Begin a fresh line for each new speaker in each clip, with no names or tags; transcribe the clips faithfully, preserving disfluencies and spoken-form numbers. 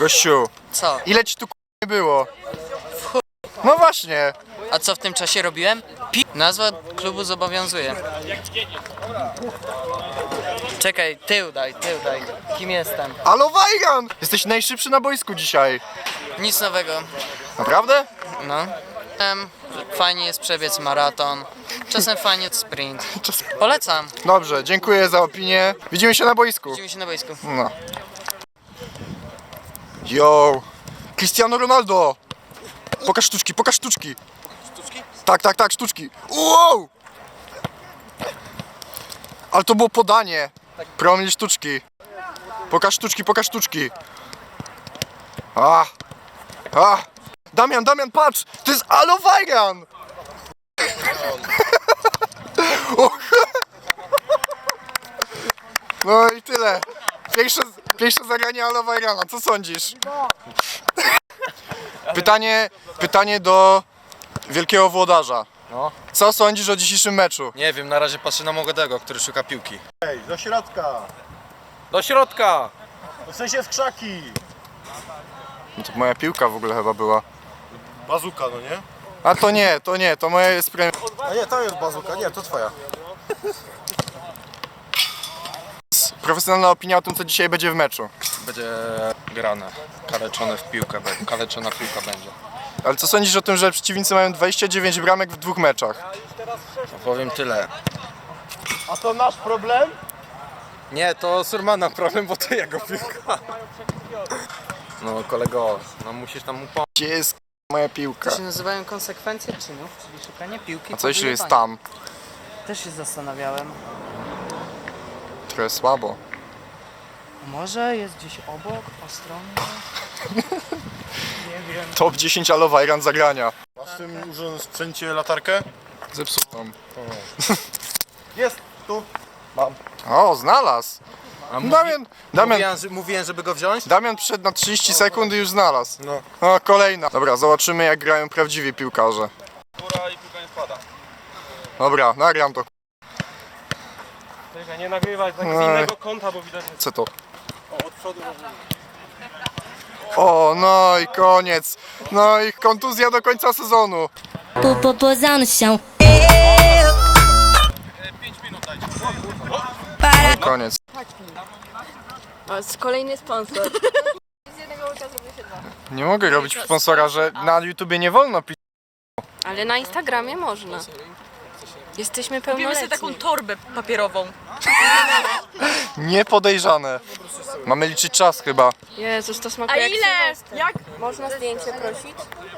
Gościu,
Co?
ile ci tu k***nie było? No właśnie.
A co w tym czasie robiłem? Pi... Nazwa klubu zobowiązuje. Czekaj, tył daj, tył daj. Kim jestem?
Alo Wajgan! Jesteś najszybszy na boisku dzisiaj.
Nic nowego.
Naprawdę?
No. Em, Fajnie jest przebiec maraton. Czasem fajnie jest sprint. Polecam.
Dobrze, dziękuję za opinię. Widzimy się na boisku.
Widzimy się na boisku.
No. Yo! Cristiano Ronaldo! Pokaż sztuczki, pokaż sztuczki! Sztuczki? Tak, tak, tak, sztuczki. Wow! Ale to było podanie. Promil sztuczki. Pokaż sztuczki, pokaż sztuczki. A! A! Damian, Damian, patrz! To jest Alo Wajgan! No i tyle. Pierwsze, pierwsze zagranie Alo Wajgana, co sądzisz? Pytanie, pytanie do wielkiego włodarza.
No.
Co sądzisz o dzisiejszym meczu?
Nie wiem, na razie patrzę na Mogadego, który szuka piłki.
Ej, do środka!
Do środka!
W sensie w krzaki!
No to moja piłka w ogóle chyba była.
Bazuka, no nie?
A to nie, to nie, to moja jest premia.
A nie, tam jest bazuka, nie, to twoja.
Profesjonalna opinia o tym, co dzisiaj będzie w meczu.
Będzie grane. Kaleczone w piłkę, be- kaleczona piłka będzie.
Ale co sądzisz o tym, że przeciwnicy mają dwadzieścia dziewięć bramek w dwóch meczach?
No powiem tyle.
A to nasz problem?
Nie, to Surmana problem, bo to jego piłka. No kolego, no musisz tam mu pomóc.
Gdzie jest moja piłka?
To się nazywają konsekwencje czynów, czyli szukanie piłki.
A
po
co jeśli jest
wyjebaniu.
tam?
Też się zastanawiałem.
Trochę słabo.
Może jest gdzieś obok, po stronie? Nie wiem.
Top dziesięć Alo Wajgan zagrania.
Masz w tym używanym sprzęcie latarkę?
Zepsutą.
Jest, tu.
O, znalazł.
A mówi,
Damian, Damian,
mówiłem, że, mówiłem, żeby go wziąć?
Damian przyszedł na trzydzieści sekund i już znalazł.
No.
O, kolejna. Dobra, zobaczymy jak grają prawdziwi piłkarze.
Góra i piłka nie spada.
Dobra, nagram to.
Czekaj, nie nagrywaj tak z
Ej.
innego kąta, bo widać, że
Co to?
o, od przodu może...
O, no i koniec. No i kontuzja do końca sezonu.
Po, po, poza no chão.
No i koniec.
O, jest kolejny sponsor.
Nie mogę robić sponsora, że na YouTubie nie wolno pisać.
Ale na Instagramie można. Jesteśmy
Kupimy sobie
pełnoletni.
taką torbę papierową.
Niepodejrzane. Mamy liczyć czas chyba.
Jezus, to
A
smakuje jak
ile?
Sylwester.
Jak?
Można zdjęcie prosić?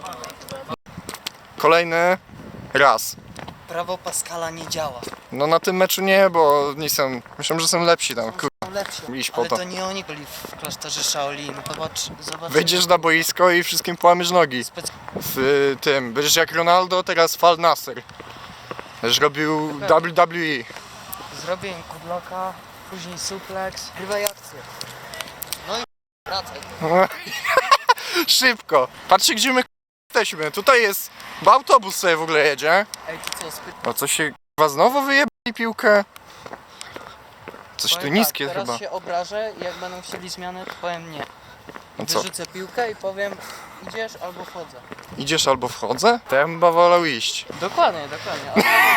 Kolejny raz.
Prawo Pascala nie działa.
No na tym meczu nie, bo nie są, myślę, że są lepsi tam. Kur...
Są lepsi.
Iść po
Ale
to.
to nie oni byli w klasztorze Shaolin. Zobacz, zobacz.
Wyjdziesz na boisko i wszystkim połamiesz nogi.
Spec-
W y, tym, będziesz jak Ronaldo, teraz Fal Nasser. Będziesz robił W W E.
Zrobię im kudloka, później suplex. Grywaj akcję. No i wracaj.
Szybko. Patrzcie gdzie my jesteśmy. Tutaj jest, bo autobus sobie w ogóle jedzie.
Ej, ty co, spyt...
No co się chyba znowu wyjebali piłkę? Coś tu
Powiem
niskie
tak, teraz
chyba.
się obrażę i jak będą chcieli zmiany, to powiem nie.
No co,
Wyrzucę piłkę i powiem idziesz albo wchodzę.
idziesz albo wchodzę? To ja bym chyba wolał iść.
Dokładnie, dokładnie.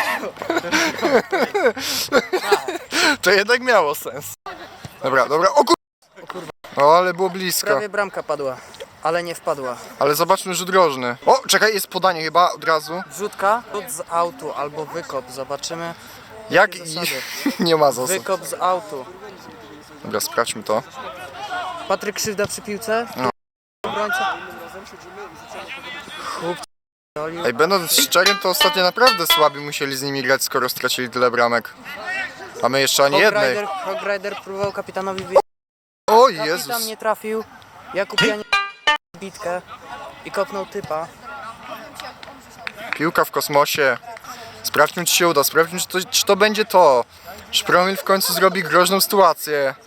To jednak miało sens. Dobra, dobra, o kur... O, ale było blisko.
Prawie bramka padła, ale nie wpadła.
Ale zobaczmy rzut rożny. O, czekaj, jest podanie chyba od razu.
Wrzutka, rzut z autu albo wykop, zobaczymy.
Jak
Jakie
i...
zasady?
Nie ma zasad.
Wykop z autu.
Dobra, sprawdźmy to.
Patryk Krzywda przy piłce.
No.
Obrońca. Chłop...
Ej, będąc szczerym, to ostatnio naprawdę słabi musieli z nimi grać, skoro stracili tyle bramek. A my jeszcze ani jednej.
Hogrider, Hogrider próbował kapitanowi wyjść.
O
Kapitan
Jezus.
nie trafił. Jakub Janie bitkę i kopnął typa.
Piłka w kosmosie. Sprawdźmy, czy się uda. Sprawdźmy, czy to, czy to będzie to. Szpromil w końcu zrobi groźną sytuację.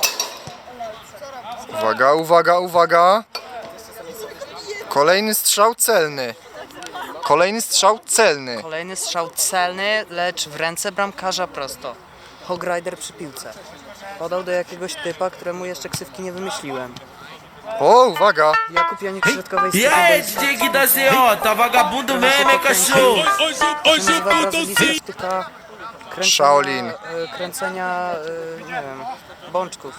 Uwaga, uwaga, uwaga. Kolejny strzał celny. Kolejny strzał celny.
Kolejny strzał celny, lecz w ręce bramkarza prosto. Hogrider przy piłce. Podał do jakiegoś typa, któremu jeszcze ksywki nie wymyśliłem.
O, uwaga!
Jakub Janik środkowej
E aí, Dig da Z O, tá vagabundo mesmo, hein, cachorro?
To się nazywa brazylijska sztuka kręcenia,
Shaolin.
e, kręcenia, e, nie wiem, bączków.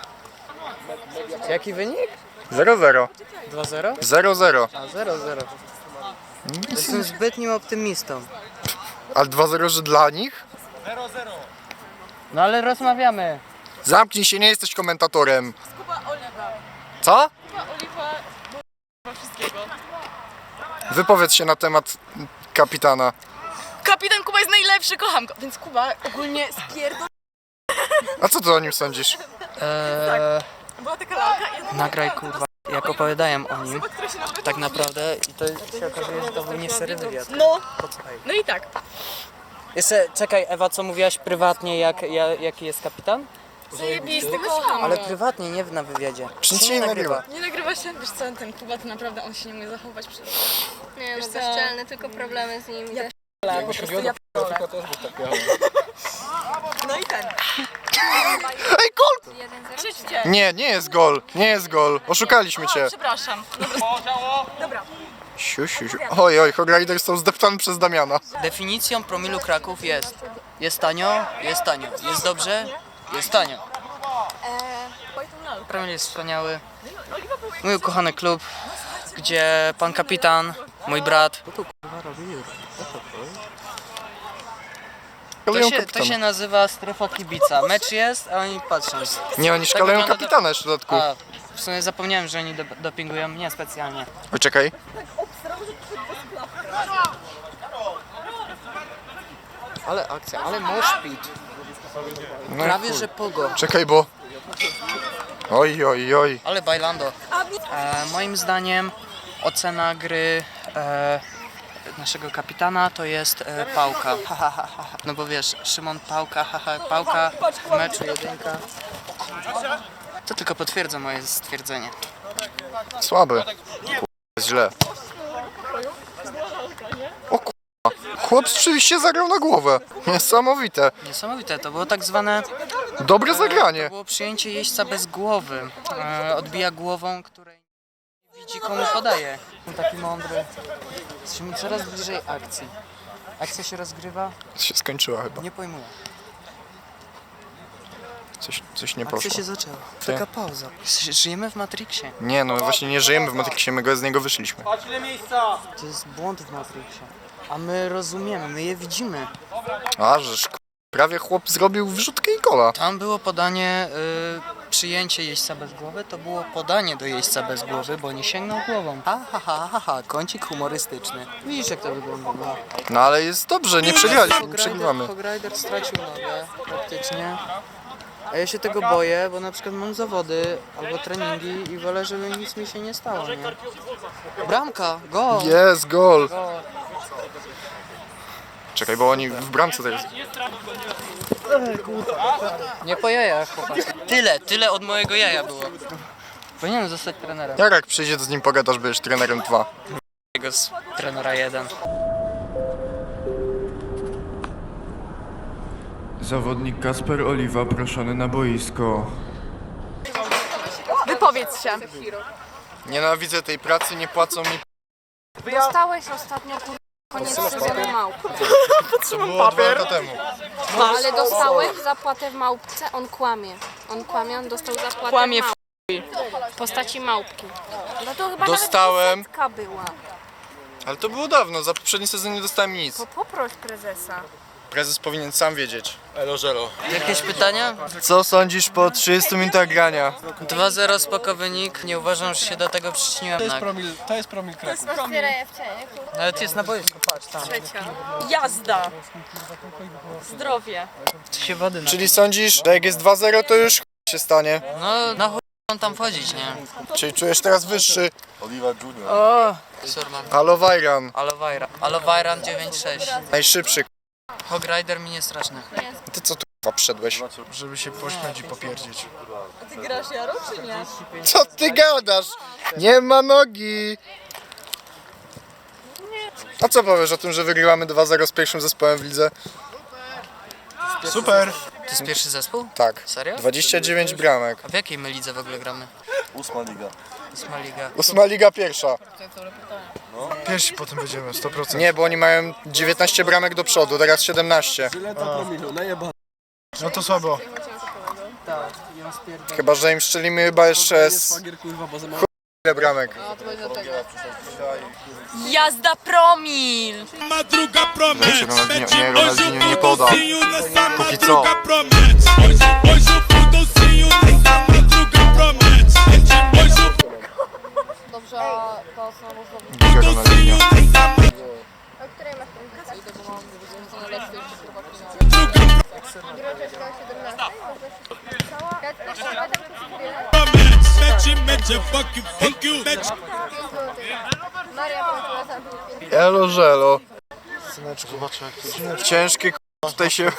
Jaki wynik?
zero zero.
dwa zero?
zero zero.
A zero zero. Jestem zbytnim optymistą.
Ale dwa zero, że dla nich?
No ale rozmawiamy.
Zamknij się, nie jesteś komentatorem. Co? Wypowiedz się na temat kapitana.
Kapitan Kuba jest najlepszy, kocham go. Więc Kuba ogólnie spierdol...
A co ty o nim sądzisz?
Eee,
Była taka lalka i
nagraj kurwa, jak opowiadałem o nim, tak naprawdę, i to się okazuje, że to był nie szczery wywiad.
No,
Posłuchaj.
no i tak.
Jeszcze, czekaj Ewa, co mówiłaś prywatnie, jak, ja, jaki jest kapitan?
Zajebisty, kocham
Ale
go.
prywatnie, nie w- na wywiadzie.
Czy nic się nie nagrywa?
Nie nagrywa się, wiesz co, ten Kuba to naprawdę on się nie umie zachować przed...
Nie, no bezczelny, tylko problemy z nim. Ja...
No i ten.
Ej, gol!
jeden zero.
Krzyczcie.
Nie, nie jest gol. Nie jest gol. Oszukaliśmy cię.
Przepraszam. Dobra.
Siu, siu, siu. Oj, oj, Hogrider został zdeptany przez Damiana.
Definicją promilu Kraków jest: jest tanio, jest tanio, jest dobrze, jest tanio. Promil jest wspaniały. Mój ukochany klub, gdzie pan kapitan, mój brat. Co to kurwa robi? To
Szkaleją
się, to
kapitana.
się nazywa strefa kibica. Mecz jest, a oni patrzą.
Nie, oni
Tak
szkaleją
wygląda
kapitana jeszcze w dodatku.
A, w sumie zapomniałem, że oni do, dopingują mnie specjalnie.
Oj, czekaj.
Ale akcja, ale moshpit.
No i
Prawie
chuj.
że pogo.
Czekaj, bo... Oj, oj, oj.
Ale bailando. E, moim zdaniem ocena gry e, naszego kapitana to jest e, pałka. Ha, ha, ha, ha. No bo wiesz, Szymon Pałka, ha, ha, pałka w meczu jedynka. To tylko potwierdza moje stwierdzenie.
Słaby. Kurwa, jest źle. O kurwa. Chłop rzeczywiście zagrał na głowę. Niesamowite.
Niesamowite, to było tak zwane
Dobre
to
zagranie.
było przyjęcie jeźdźca bez głowy. E, odbija głową, której nie widzi komu podaje. Taki mądry. Jesteśmy coraz bliżej akcji. Akcja się rozgrywa,
Się skończyła chyba.
nie pojmuję.
Coś, coś nie
Akcja
poszło.
się zaczęła. Taka pauza. Żyjemy w Matrixie.
Nie, no właśnie nie żyjemy w Matrixie, my go z niego wyszliśmy.
Patrz ile miejsca!
To jest błąd w Matrixie. A my rozumiemy, my je widzimy.
A, żeż k- prawie chłop zrobił wrzutkę i gola.
Tam było podanie, y, przyjęcie jeźdźca bez głowy, to było podanie do jeźdźca bez głowy, bo nie sięgnął głową. Ha, ha, ha, ha, ha, kącik humorystyczny. Widzisz jak to wygląda. No.
No ale jest dobrze, nie przegraliśmy, nie przegrywamy.
Hogrider stracił nogę praktycznie. A ja się tego boję, bo na przykład mam zawody albo treningi i wolę, żeby nic mi się nie stało, nie? Bramka, go!
Jest gol.
Go.
Czekaj, bo oni w bramce teraz.
Nie po jajach, chłopaki. Tyle, tyle od mojego jaja było. Powinienem zostać trenerem.
Jak jak przyjdzie, to z nim pogadasz, będziesz trenerem dwa.
Jego z trenera jeden.
Zawodnik Kasper Oliwa proszony na boisko.
Wypowiedz się.
Nienawidzę tej pracy, nie płacą mi.
Dostałeś ostatnio kur... koniec sezonu małp.
To było dwa lata temu.
Ale dostałeś zapłatę w małpce, on kłamie. On kłamie, on dostał zapłatę
Kłamie
w
w
małpce. W postaci małpki. No to chyba
Dostałem.
nawet setka była.
Ale to było dawno, za poprzedni sezon nie dostałem nic.
To poproś prezesa.
Prezes powinien sam wiedzieć. Elo, żelo.
Jakieś pytania?
Co sądzisz po trzydziestu minutach grania?
dwa zero spoko wynik. Nie uważam, że się do tego przyczyniłem. To jest
Promil, to jest promil Kraków.
Nawet jest na boisku, patrz tam.
Jazda. Zdrowie.
Się wody na...
Czyli sądzisz, że jak jest dwa zero, to już się stanie?
No, na chuj on tam wchodzić, nie?
Czyli czujesz teraz wyższy?
O! Surman.
Alowajran.
Alowajra. Alowajran dziewięć sześć.
Najszybszy.
Hogrider mi nie straszny.
Ty co tu k***a przyszedłeś? Żeby się pośmiać i popierdzieć.
Ty grasz Jaro czy nie?
Co ty gadasz? Nie ma nogi! A co powiesz o tym, że wygrywamy dwa zero z pierwszym zespołem w lidze? Super!
To jest pierwszy zespół?
Tak.
Serio?
dwadzieścia dziewięć bramek.
A w jakiej my lidze w ogóle gramy?
Ósma liga.
Ósma liga.
Ósma liga pierwsza.
Pierwsi potem będziemy, sto procent.
Nie, bo oni mają dziewiętnaście bramek do przodu, teraz siedemnaście.
Tyle to promilu, najebane.
No to słabo.
Tak, i on spierdolił.
Chyba, że im strzelimy chyba jeszcze z
Szwagier kurwa, bo za mało.
ile bramek.
Jazda promil!
Wiecie, Ronaldinho, nie, Ronaldinho nie poda. Póki co.
Dobrze, to są
Gdzie Ronaldinho? Elo żelo. Ciężkie k- tutaj się...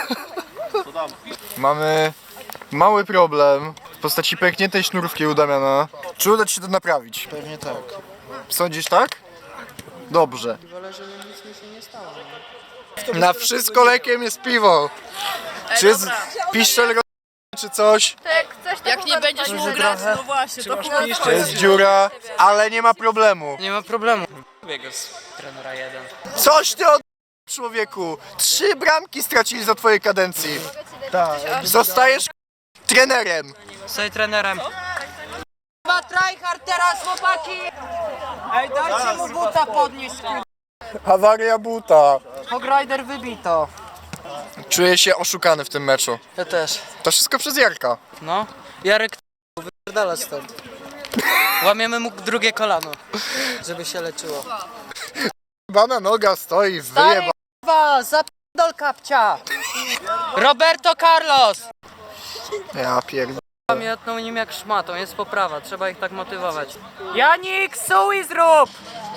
Mamy mały problem w postaci pękniętej sznurówki u Damiana. Czy uda ci się to naprawić?
Pewnie tak.
Sądzisz tak? Dobrze.
Wolę, żeby nic mi się nie stało.
Na wszystko lekiem jest piwo. Czy jest piszczel ro- czy coś?
Jak nie będziesz mógł grać, no właśnie, to
To jest dziura, ale nie ma problemu.
Nie ma problemu. Biegł z trenera jeden.
Coś ty od... człowieku. Trzy bramki stracili za twojej kadencji.
Tak.
Zostajesz trenerem.
Stoj trenerem. Chyba tryhard teraz, chłopaki! Ej, dajcie mu buta podnieść.
Awaria buta.
Hogrider wybito.
Czuję się oszukany w tym meczu.
Ja też.
To wszystko przez Jarka.
No. Jarek wypierdala stąd. Łamiemy mu drugie kolano, żeby się leczyło.
Bana noga stoi, wyjeba.
Kurwa, zapierdol kapcia! Roberto Carlos!
Ja pierdolę.
Pamiętną nim jak szmatą, jest poprawa, trzeba ich tak motywować. Janik, suj zrób!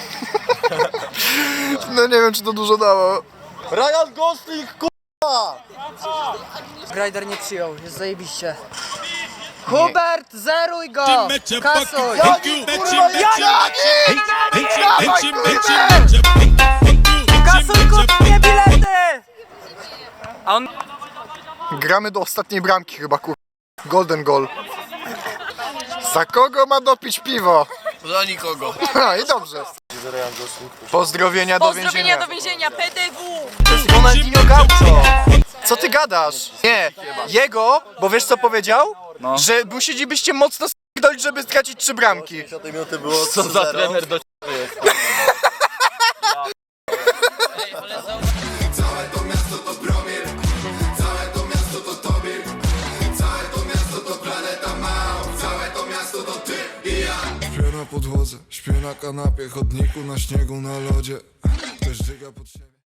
No nie wiem, czy to dużo dało. Ryan Gosling, k***a!
Grider nie przyjął, jest zajebiście. Hubert, zeruj go! Kasuj!
Kurwa, Janik! Dawaj, kurwa!
Kasuj, kup mnie bilety! A on...
Gramy do ostatniej bramki chyba, kur... Golden goal. Za kogo ma dopić piwo?
Za nikogo.
Ha, i dobrze. Pozdrowienia do
Pozdrowienia
więzienia.
do więzienia, P D W!
To jest Ronaldinho Gaucho. Co ty gadasz? Nie, jego, bo wiesz co powiedział? Że musielibyście mocno s***dolić, żeby stracić trzy bramki.
Co za trener do
Śpię na podłodze, śpię na kanapie, chodniku, na śniegu, na lodzie. Ktoś żyga pod siebie.